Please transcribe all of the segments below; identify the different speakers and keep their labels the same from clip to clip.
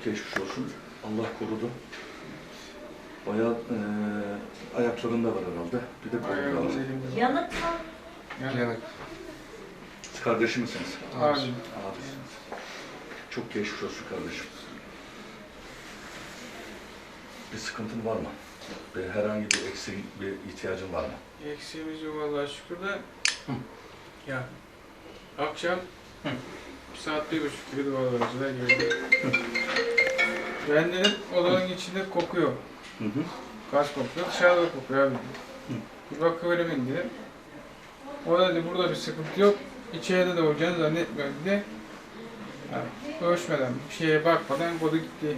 Speaker 1: çok geçmiş olsun. Allah korudu. Bayağı ayaklarında var herhalde. Bir de kolunda var.
Speaker 2: Yanık mı?
Speaker 3: Yanık.
Speaker 1: Siz kardeşi misiniz?
Speaker 3: Abim.
Speaker 1: Abisiniz. Çok geçmiş olsun kardeşim. Bir sıkıntın var mı? Herhangi bir eksiğin, bir ihtiyacın var mı?
Speaker 3: Eksiğimiz yok Allah'a şükür de. Ya akşam saat 1.30 gibi duvarlarcılar geldi. Ben dedim odanın içinde kokuyor.
Speaker 1: Hı hı.
Speaker 3: Gaz kokuyor, dışarıda kokuyor abi. Bir bakıverim dedim. O da dedi burada bir sıkıntı yok. İçeride de olacağını zannetmiyorum dedi. Yani ölçmeden, bir şeye bakmadan kodu gitti.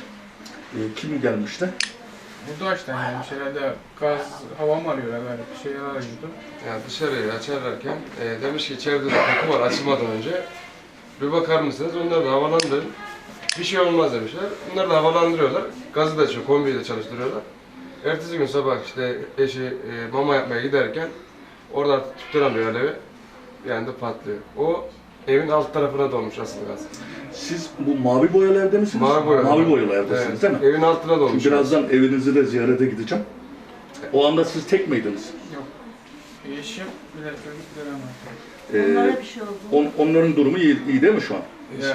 Speaker 1: Kim gelmişti?
Speaker 3: Bu Doğaç'tan gelmiş herhalde gaz, hava mı arıyor herhalde bir şeyler arıyordu.
Speaker 4: Yani dışarıyı açarlarken demiş ki içeride de koku var açılmadan önce. Bir bakar mısınız? Onları da havalandırın. Bir şey olmaz demişler. Bunları da havalandırıyorlar. Gazı da açıyor, kombiyi de çalıştırıyorlar. Ertesi gün sabah işte eşi mama yapmaya giderken orada artık tutturamıyor alevi. Bir anda patlıyor. O evin alt tarafına dolmuş asıl gaz.
Speaker 1: Siz bu mavi boyalı evde misiniz?
Speaker 4: Mavi boyalı.
Speaker 1: Mavi boyalı evdesiniz
Speaker 4: Evet,
Speaker 1: değil mi?
Speaker 4: evin altına dolmuş.
Speaker 1: Şimdi birazdan evinizi de ziyarete gideceğim. O anda siz tek miydiniz?
Speaker 3: Yok. Eşim bir de çocuklar ama.
Speaker 2: Onlara bir şey oldu.
Speaker 1: Onların durumu iyi değil mi şu an?
Speaker 3: Ya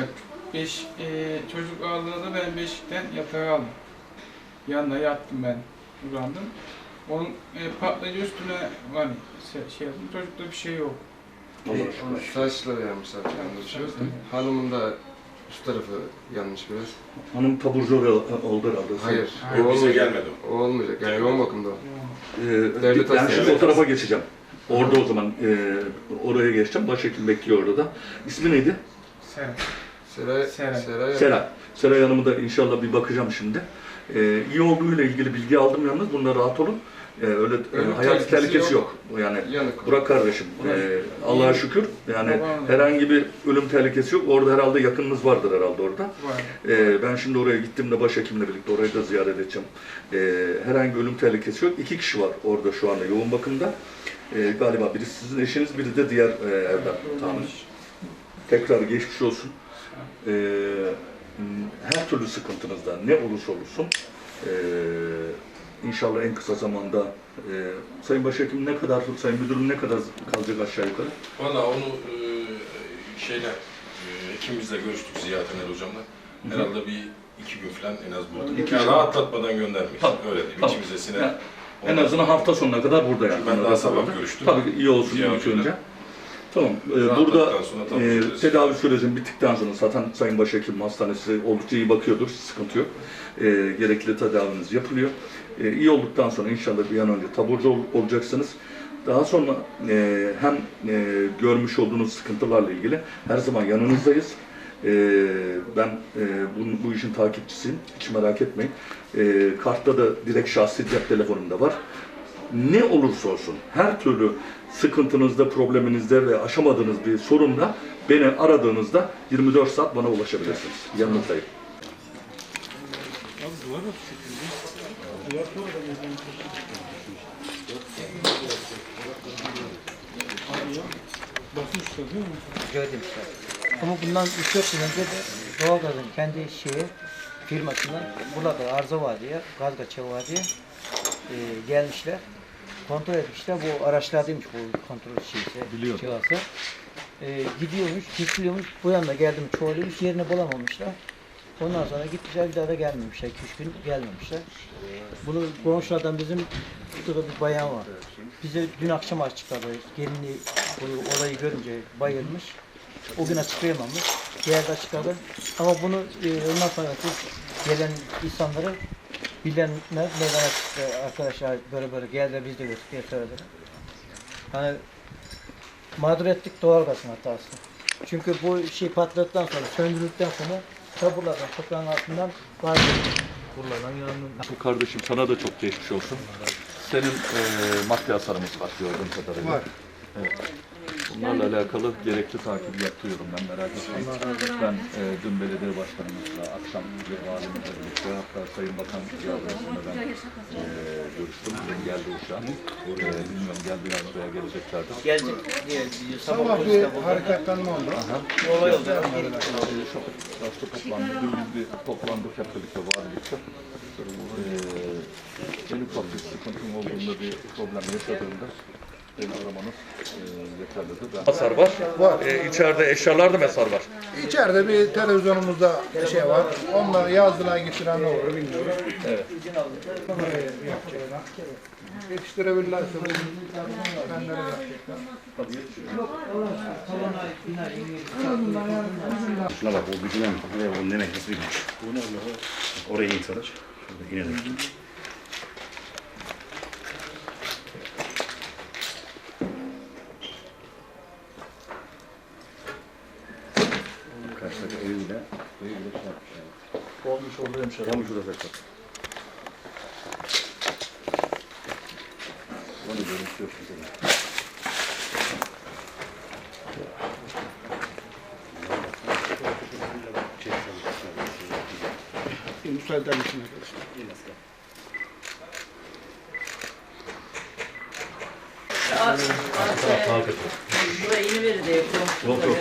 Speaker 3: çocuk aldığında ben beşikten yatağa aldım. Yanına yattım ben, uzandım. Onun patlayıcı üstüne hani şey yaptım, çocukta bir şey yok.
Speaker 1: Allah aşkına.
Speaker 4: Saçları yanmış zaten. yanlış. Hanımın da üst tarafı yanmış biraz.
Speaker 1: Hanım taburcu oldu herhalde.
Speaker 4: Hayır,
Speaker 3: Hayır,
Speaker 4: o
Speaker 5: bize
Speaker 4: olmayacak.
Speaker 5: gelmedi o.
Speaker 4: O olmayacak. Yani yoğun bakımda o.
Speaker 1: Ben
Speaker 4: Devlet
Speaker 1: şimdi
Speaker 4: hastanesi.
Speaker 1: o tarafa geçeceğim. Orada o zaman oraya geçeceğim. Başhekim bekliyor orada da. İsmi neydi?
Speaker 3: Sen.
Speaker 4: Seray.
Speaker 3: Seray.
Speaker 1: Seray. Seray Hanım'ı da inşallah bir bakacağım şimdi. İyi olduğuyla ilgili bilgi aldım yalnız. Bunda rahat olun. Öyle hayat tehlikesi yok. Yani
Speaker 4: Yanık.
Speaker 1: Burak kardeşim, Allah'a şükür yani herhangi bir ölüm tehlikesi yok. Orada herhalde yakınınız vardır herhalde orada.
Speaker 3: Var.
Speaker 1: Ben şimdi oraya gittiğimde başhekimle birlikte orayı da ziyaret edeceğim. Herhangi bir ölüm tehlikesi yok. 2 kişi var orada şu anda yoğun bakımda. Galiba biri sizin eşiniz, biri de diğer evden tahmin. Tekrar geçmiş olsun. Her türlü sıkıntınızda ne olursa olsun İnşallah en kısa zamanda Sayın Başhekim ne kadar, Sayın Müdürüm ne kadar kalacak aşağı yukarı?
Speaker 5: Valla onu hekimimizle görüştük Ziya Tener hocamla. Herhalde bir 2 gün falan en az burada.
Speaker 1: İki
Speaker 5: Yani
Speaker 1: gün.
Speaker 5: rahatlatmadan göndermeyiz.
Speaker 1: Tamam.
Speaker 5: Öyle değil.
Speaker 1: Tamam.
Speaker 5: İçimize siner.
Speaker 1: Yani en azından hafta sonuna kadar burada yani.
Speaker 5: Ben daha sabah görüştüm.
Speaker 1: Tabii iyi olsun
Speaker 5: Ziya
Speaker 1: ilk
Speaker 5: hocayla.
Speaker 1: önce. Tamam. Burada
Speaker 5: Rahatladıktan sonra tabii
Speaker 1: tedavi sürecinin bittikten sonra zaten Sayın Başhekim hastanesi oldukça iyi bakıyordur, sıkıntı yok. Gerekli tedaviniz yapılıyor. İyi olduktan sonra inşallah bir an önce taburcu olacaksınız. Daha sonra hem görmüş olduğunuz sıkıntılarla ilgili her zaman yanınızdayız. Ben bu işin takipçisiyim, hiç merak etmeyin. Kartta da direkt şahsi cep telefonumda var. Ne olursa olsun, her türlü sıkıntınızda, probleminizde ve aşamadığınız bir sorunda beni aradığınızda 24 saat bana ulaşabilirsiniz. Yanınızdayım.
Speaker 6: Demişler. Ama bundan 3-4 yıl önce de doğalgazın kendi firmasından burada arıza var diye, gaz kaçağı var diye gelmişler. Kontrol etmişler. Bu araçlardaymış bu kontrol cihazı. Gidiyormuş, kesiliyormuş. Bu yana geldim çoğalıyormuş. Yerini bulamamışlar. Ondan sonra gitmişler, bir daha da gelmemişler. 2-3 gün gelmemişler. Bunu komşulardan bizim burada bir bayan var. Bize dün akşam açıkladı. Gelini bu olayı görünce bayılmış. O gün açıklayamamış. Diğerde açıkladı. Ama bunu ondan sonra gelen insanları bilenler meydana arkadaşlar böyle geldi biz de götürdük diye söylediler. Yani mağdur ettik doğalgazın hatası. Çünkü bu şey patladıktan sonra, söndürüldükten sonra taburlardan, toprağın altından bazı buralardan yanılıyor.
Speaker 1: Kardeşim sana da çok geçmiş olsun. Senin maddi hasarımız var gördüğüm kadarıyla.
Speaker 3: Var.
Speaker 1: Evet. Bunlarla alakalı gerekli takibi yapıyorum ben, merak etmeyin. Ben dün belediye başkanımızla, akşam valimizle birlikte, hatta Sayın Bakan yardımcısıyla ben görüştüm. Geldi uçağa. Bilmiyorum geldiler buraya geleceklerdi.
Speaker 6: Gelecek diye
Speaker 3: Sabah bir hareketlenme oldu.
Speaker 6: olay oldu.
Speaker 1: Şapık toplandı. Dün biz bir toplandık hep birlikte valilikte. En ufak bir sıkıntım olduğunda, bir problem yaşadığında beni aramanız yeterlidir. Hasar var.
Speaker 2: Var.
Speaker 1: İçeride eşyalarda mesar var.
Speaker 2: İçeride bir televizyonumuzda şey var. Onlar yazdılar getiren ne olur bilmiyorum.
Speaker 1: Evet.
Speaker 2: Yetiştirebilirlerse kendileri yapacaklar.
Speaker 7: Şuna bak, o gücüne mi? O ne nasıl bir güç? Oraya in Saraç. Şurada inelim. Karşıdaki evi bile şey yapmışlar.
Speaker 1: Olmuş oldu hemşehrim.
Speaker 7: Tam şurada saklar. Onu görüntü yok mesela.
Speaker 2: Müsaade misin arkadaşlar?
Speaker 8: Buraya yeni veri de yapıyorum.
Speaker 7: Yok.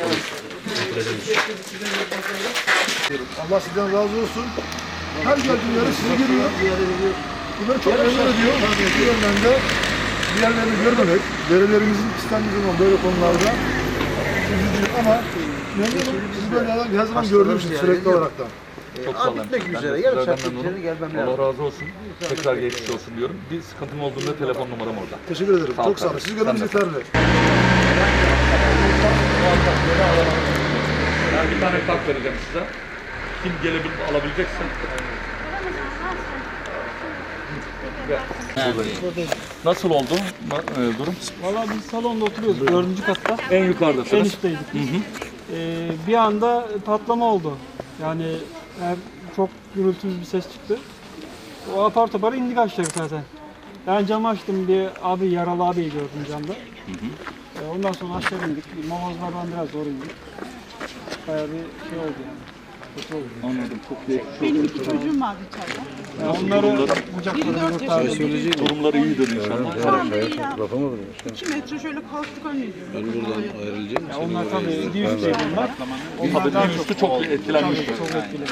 Speaker 2: Allah sizden razı olsun. Her geldiği yere sizi görüyor. Bunları çok memnun ediyor. Bu yönden de diğerlerini görmemek, verilerimizin istendiği zaman böyle konularda üzücü ama memnunum. Sizi böyle her zaman gördüğüm için sürekli olaraktan.
Speaker 1: Çok sağ olun.
Speaker 6: Bitmek
Speaker 1: Ben
Speaker 6: üzere.
Speaker 1: de
Speaker 6: Yarım
Speaker 1: sizlerden
Speaker 6: saat
Speaker 1: memnunum.
Speaker 6: içeri gelmem
Speaker 1: Allah
Speaker 6: lazım.
Speaker 1: razı olsun. Tekrar geçmiş olsun diyorum. Bir sıkıntım olduğunda telefon numaram orada.
Speaker 2: Teşekkür ederim.
Speaker 1: Sağ ol
Speaker 2: Çok sağ olun.
Speaker 1: kardeşim.
Speaker 2: Sizi görmemiz
Speaker 1: Sen de.
Speaker 2: yeterli.
Speaker 1: Ben bir tane kart vereceğim size. Kim gelebilir, alabilecekse. Nasıl oldu durum?
Speaker 9: Valla biz salonda oturuyoruz, 4. katta.
Speaker 1: En yukarıdasınız.
Speaker 9: En üstteydik biz. Bir anda patlama oldu. Yani çok gürültülü bir ses çıktı. O apar topar indik aşağı zaten. Ben camı açtım, bir abi, yaralı abiyi gördüm camda. Ondan sonra aşağı indik. Mamazlardan biraz zor indik. Bayağı bir şey oldu yani. Kötü oldu.
Speaker 1: Anladım. Çok geçmiş
Speaker 10: Benim iki çocuğum vardı içeride.
Speaker 9: Onları
Speaker 10: Biri 4 yaşında,
Speaker 1: Durumları iyidir inşallah.
Speaker 10: şu anda iyi ya. 2 metre şöyle kalktık önüydü.
Speaker 9: onlar tabii bir üstteydi onlar.
Speaker 1: Tabii bir üstü çok etkilenmiştir.
Speaker 9: Çok etkili.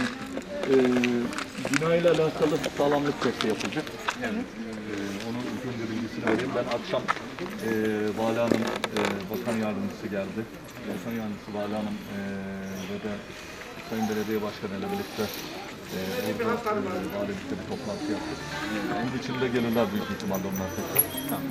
Speaker 1: Bina ile alakalı sağlamlık testi yapılacak. Onun ilk önce bilgisini vereyim. Ben akşam Vali Hanım, Bakan Yardımcısı geldi. Bakan Yardımcısı Vali Hanım ve de Sayın Belediye Başkanı ile birlikte burada valilikte bir toplantı yaptık. Bunun içinde gelirler büyük ihtimalle onlar tekrar.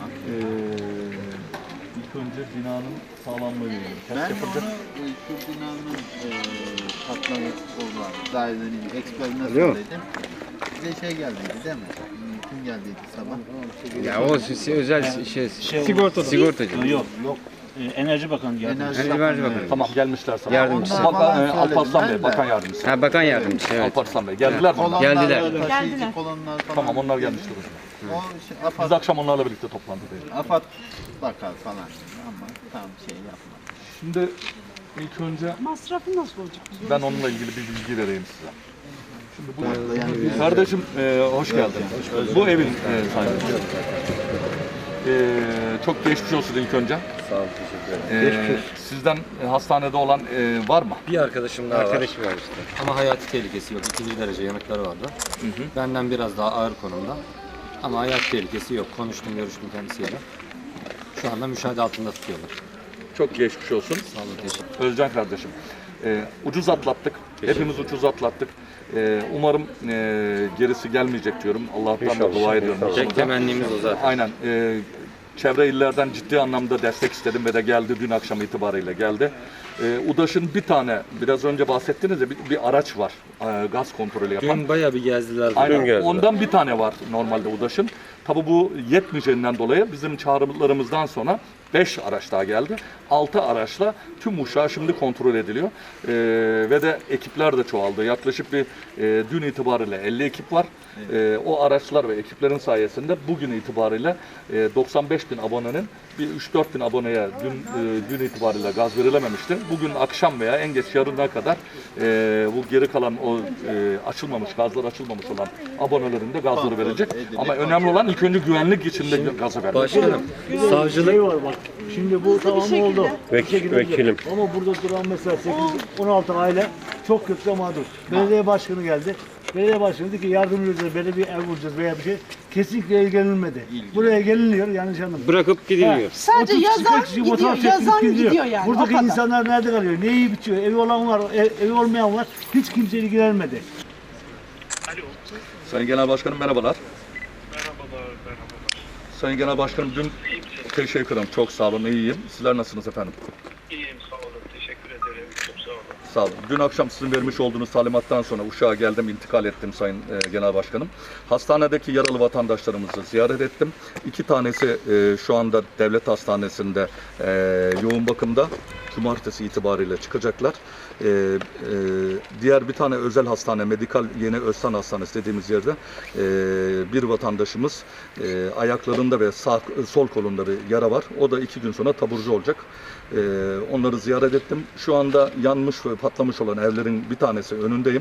Speaker 1: İlk önce binanın sağlamlığı ile ilgili test yapılacak.
Speaker 11: Şu binanın patlaması olan dairenin eksperine söyledim. Bize şey geldiydi değil mi? Kim geldiydi sabah?
Speaker 12: Ya o özel sigortacı.
Speaker 7: Yok. Enerji Bakanı geldi.
Speaker 12: Enerji Bakanı.
Speaker 1: Tamam gelmişler sana.
Speaker 12: Yardımcısı.
Speaker 1: Alparslan Bey, Bakan Yardımcısı.
Speaker 12: Ha, bakan yardımcısı, evet.
Speaker 1: Alparslan Bey. Geldiler mi? onlar?
Speaker 12: Geldiler.
Speaker 11: Taşıyıcı kolonlar falan.
Speaker 1: Tamam onlar gelmiştir o zaman.
Speaker 11: O şey,
Speaker 1: Biz
Speaker 11: AFAD,
Speaker 1: akşam onlarla birlikte toplantıdayız.
Speaker 11: AFAD bakar falan ama tam şey yapmadı.
Speaker 1: Şimdi ilk önce
Speaker 10: Masrafı nasıl olacak?
Speaker 1: ben onunla ilgili bir bilgi vereyim size. Şimdi bu kardeşim hoş geldin. Bu evin sahibi. Çok geçmiş olsun ilk önce.
Speaker 7: Sağ ol, teşekkür ederim.
Speaker 1: Sizden hastanede olan var mı?
Speaker 13: Bir arkadaşım daha var işte. Ama hayati tehlikesi yok. 2. derece yanıkları vardı. Benden biraz daha ağır konumda. Ama hayat tehlikesi yok. Konuştum, görüştüm kendisiyle. Şu anda müşahede altında tutuyorlar.
Speaker 1: Çok geçmiş olsun.
Speaker 13: Sağ olun, teşekkür.
Speaker 1: Özcan kardeşim. Ucuz atlattık. Hepimiz ucuz atlattık. Umarım gerisi gelmeyecek diyorum. Allah'tan da dua ediyorum.
Speaker 13: Tek temennimiz o zaten.
Speaker 1: Aynen. Çevre illerden ciddi anlamda destek istedim ve de geldi. Dün akşam itibariyle geldi. UDAŞ'ın bir tane, biraz önce bahsettiniz ya bir araç var. Gaz kontrolü yapan.
Speaker 13: Dün bayağı bir gezdiler.
Speaker 1: Aynen. Ondan bir tane var normalde UDAŞ'ın. Tabii bu yetmeyeceğinden dolayı bizim çağrılarımızdan sonra 5 araç daha geldi. 6 araçla tüm Uşak şimdi kontrol ediliyor. Ve de ekipler de çoğaldı. Yaklaşık bir dün itibariyle 50 ekip var. O araçlar ve ekiplerin sayesinde bugün itibariyle 95 bin abonenin bir 3-4 bin aboneye dün itibariyle gaz verilememişti. Bugün akşam veya en geç yarına kadar bu geri kalan o açılmamış, gazlar açılmamış olan abonelerin de gazları verilecek. Ama önemli olan ilk önce güvenlik içinde gazı vermek.
Speaker 12: Başkanım, savcılık
Speaker 10: var bak. Şimdi bu tamam oldu.
Speaker 12: Vekilim.
Speaker 10: Ama burada duran mesela 8-16 aile çok kötü mağdur. Belediye başkanı geldi. Belediye başkanı dedi ki yardımcı olacağız, böyle bir ev vuracağız veya bir şey. Kesinlikle ilgilenilmedi. Buraya geliniyor yanlış anlamayın.
Speaker 12: Bırakıp gidiliyor.
Speaker 8: Sadece yazan gidiyor yani.
Speaker 10: Buradaki insanlar nerede kalıyor? Neyi bitiyor? Evi olan var, evi olmayan var. Hiç kimse ilgilenmedi.
Speaker 1: Sayın Genel Başkanım merhabalar. Merhabalar. Sayın Genel Başkanım dün teşekkür ederim. Çok sağ olun, iyiyim. Sizler nasılsınız efendim?
Speaker 14: İyiyim, sağ olun. Teşekkür ederim. Çok sağ olun.
Speaker 1: Sağ olun. Dün akşam sizin vermiş olduğunuz talimattan sonra Uşak'a geldim, intikal ettim Sayın Genel Başkanım. Hastanedeki yaralı vatandaşlarımızı ziyaret ettim. 2 tanesi şu anda devlet hastanesinde yoğun bakımda. Cumartesi itibariyle çıkacaklar. Diğer bir tane özel hastane, Medikal Yeni Özsan Hastanesi dediğimiz yerde bir vatandaşımız ayaklarında ve sol kolunda bir yara var. O da 2 gün sonra taburcu olacak. Onları ziyaret ettim. Şu anda yanmış ve patlamış olan evlerin bir tanesi önündeyim.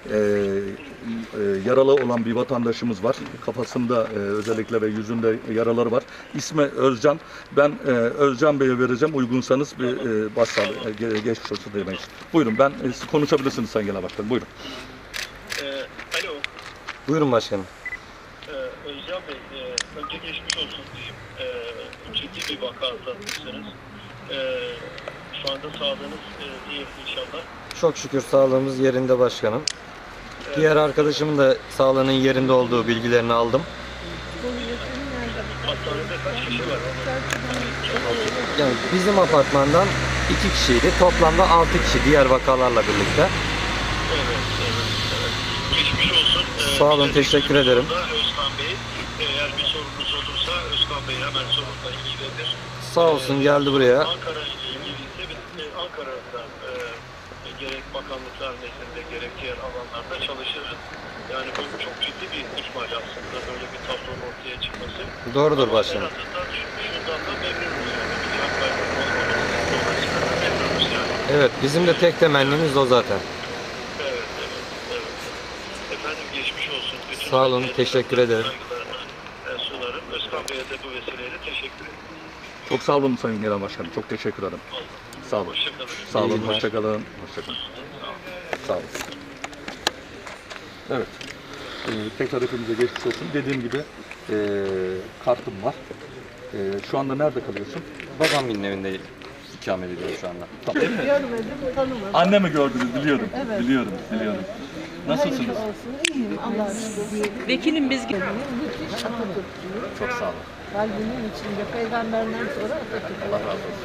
Speaker 1: Yaralı olan bir vatandaşımız var. Kafasında özellikle ve yüzünde yaraları var. İsmi Özcan. Ben Özcan Bey'e vereceğim. Uygunsanız bir başsağlığı, geçmiş olsun demeyiz. Buyurun, siz konuşabilirsiniz Sayın Genel Başkanım. Buyurun.
Speaker 14: Alo.
Speaker 12: Buyurun başkanım.
Speaker 14: Özcan Bey, önce geçmiş olsun diyeyim. Ciddi bir vaka atlatmışsınız. Şu anda sağlığınız iyi inşallah.
Speaker 13: Çok şükür sağlığımız yerinde başkanım. Diğer arkadaşımın da sağlığının yerinde olduğu bilgilerini aldım.
Speaker 14: Hastanede kaç kişi var?
Speaker 13: Yani bizim apartmandan 2 kişiydi. Toplamda 6 kişi diğer vakalarla birlikte.
Speaker 14: Evet. Geçmiş olsun.
Speaker 13: Sağ olun, teşekkür ederim.
Speaker 14: Özkan Bey, eğer bir sorunuz olursa Özkan Bey hemen sorunla ilgilenir.
Speaker 13: Sağ olsun, geldi buraya.
Speaker 14: Ankara ile ilgili ise Ankara'da gerek bakanlıklar nezdinde gerek diğer alanlarda çalışırız. Yani bu çok ciddi bir ihmal aslında böyle bir tablonun ortaya çıkması.
Speaker 13: Doğrudur başkanım.
Speaker 14: En azından şundan da memnunuz yani. Bir can kaybı olmaması dolayısıyla memnunuz yani.
Speaker 13: Evet, bizim de tek temennimiz o zaten.
Speaker 14: Evet. Efendim geçmiş olsun. Bütün
Speaker 13: Sağ olun, teşekkür ederim.
Speaker 14: saygılarımı sunarım. Özkan Bey'e de bu vesileyle teşekkür ederim.
Speaker 1: Çok sağ olun Sayın Genel Başkanım. Çok teşekkür ederim. Sağ olun. Sağ olun. Hoşçakalın. Sağ olun. Evet. Tekrar hepimize geçmiş olsun. Dediğim gibi kartım var. Şu anda nerede kalıyorsun?
Speaker 13: Babamın evinde ikamet ediyorum şu anda.
Speaker 1: Tamam.
Speaker 8: Görmedim, tanımadım.
Speaker 1: Annemi gördünüz, biliyorum.
Speaker 8: Evet.
Speaker 1: Biliyorum. Nasılsınız?
Speaker 8: Hayırlı olsun, iyiyim Allah'a şükür. Vekilim biz gibi. Müthiş Atatürkçüyüm.
Speaker 1: Çok sağ olun.
Speaker 8: Kalbimin içinde peygamberden sonra Atatürk.
Speaker 1: Allah razı olsun.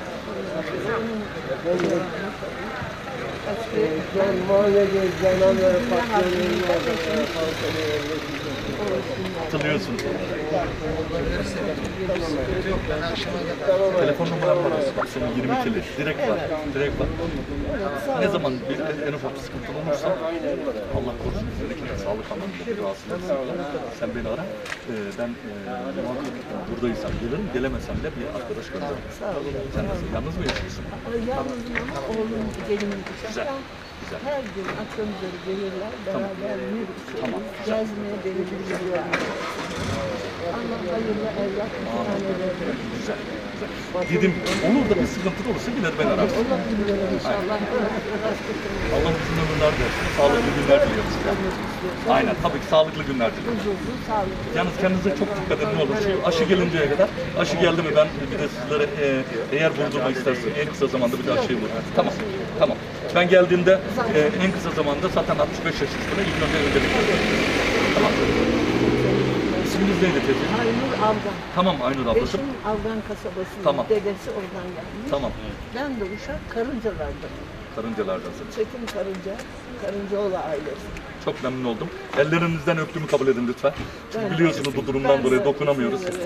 Speaker 1: Hatırlıyorsun. Telefon numaram var aslında. Bak senin 22'li. Direkt var. Ne zaman bir en ufak bir sıkıntı olursa Allah korusun üzerindeki sağlık anlamında bir rahatsızlık sen beni ara. Ben buradaysam gelirim. Gelemesem de bir arkadaş gönderirim.
Speaker 8: Sağ olun.
Speaker 1: Sen nasıl? Yalnız mı yaşıyorsun?
Speaker 8: Yalnızım ama oğlum gelinim
Speaker 1: Güzel.
Speaker 8: her gün akşam üzeri gelirler, beraber yürüyoruz. Gezmeye beni gidiyorlar. Allah hayırlı evlat müsaade.
Speaker 1: Güzel. Dedim, olur da bir sıkıntı olursa gider ben ararım.
Speaker 8: Olabilir inşallah.
Speaker 1: Allah uzun ömürler versin, sağlıklı günler diliyoruz. Aynen, tabii ki sağlıklı günler diliyoruz. Yalnız kendinize çok dikkat edin, ne olur. Şu aşı gelinceye kadar, aşı geldi mi ben bir de sizlere eğer vurdurmak isterseniz en kısa zamanda bir de aşıyı vurun. Tamam. Ben geldiğimde en kısa zamanda zaten 65 yaş üstüne ilk önce öncelik veriyorum. Tamam. İsminiz neydi teyze?
Speaker 8: Aynur Avgan.
Speaker 1: Tamam Aynur ablacığım.
Speaker 8: Eşim Avgan kasabasının dedesi oradan gelmiş.
Speaker 1: Tamam.
Speaker 8: Ben de Uşak Karıncalar'dan.
Speaker 1: Karıncalardansın.
Speaker 8: Çetin Karınca, Karıncaoğlu ailesi.
Speaker 1: Çok memnun oldum. Ellerinizden öptüğümü kabul edin lütfen. Çünkü biliyorsunuz bu durumdan dolayı dokunamıyoruz.